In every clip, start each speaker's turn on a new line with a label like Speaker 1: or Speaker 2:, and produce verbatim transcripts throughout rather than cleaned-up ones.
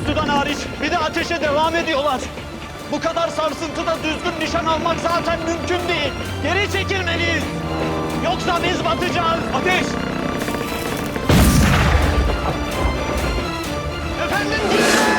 Speaker 1: sudan hariç bir de ateşe devam ediyorlar. Bu kadar sarsıntıda düzgün nişan almak zaten mümkün değil. Geri çekilmeliyiz. Yoksa biz batacağız. Ateş! Efendim dinle!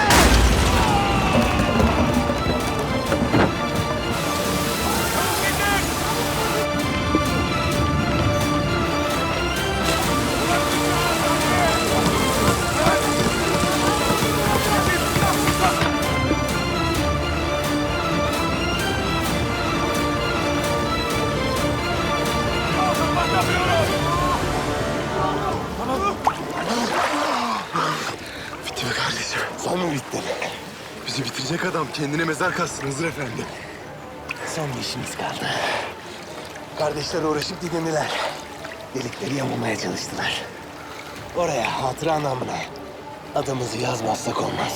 Speaker 2: Bitti mi kardeşim? Son mu bitti? Bizi bitirecek adam kendine mezar kazsın Hızır Efendi. Son bir işimiz kaldı. Kardeşler uğraşıp didindiler. Delikleri yamulmaya çalıştılar. Oraya hatıra namına adımızı yazmazsak olmaz.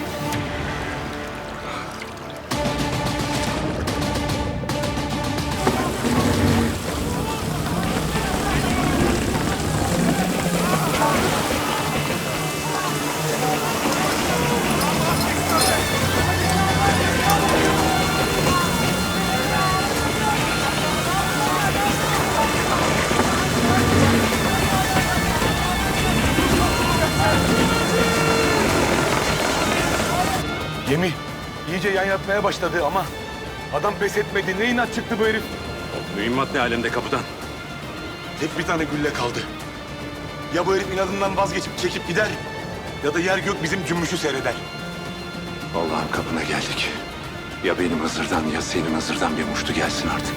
Speaker 3: Gemi iyice yan yatmaya başladı ama adam pes etmedi. Ne inat çıktı bu herif?
Speaker 4: Mühimmat ne alemde kapıdan?
Speaker 2: Tek bir tane gülle kaldı. Ya bu herif inadından vazgeçip çekip gider ya da yer gök bizim cümbüşü seyreder.
Speaker 4: Allah'ın kapına geldik. Ya benim Hızır'dan ya senin Hızır'dan bir muştu gelsin artık.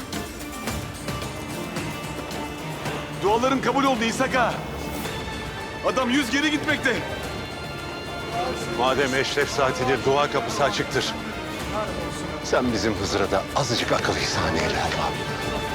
Speaker 2: Duaların kabul oldu İshak ağa. Adam yüz geri gitmekte.
Speaker 4: Madem eşref saatidir, dua kapısı açıktır. Sen bizim Hızır'a da azıcık akıl ihsan eyle Allah'ım.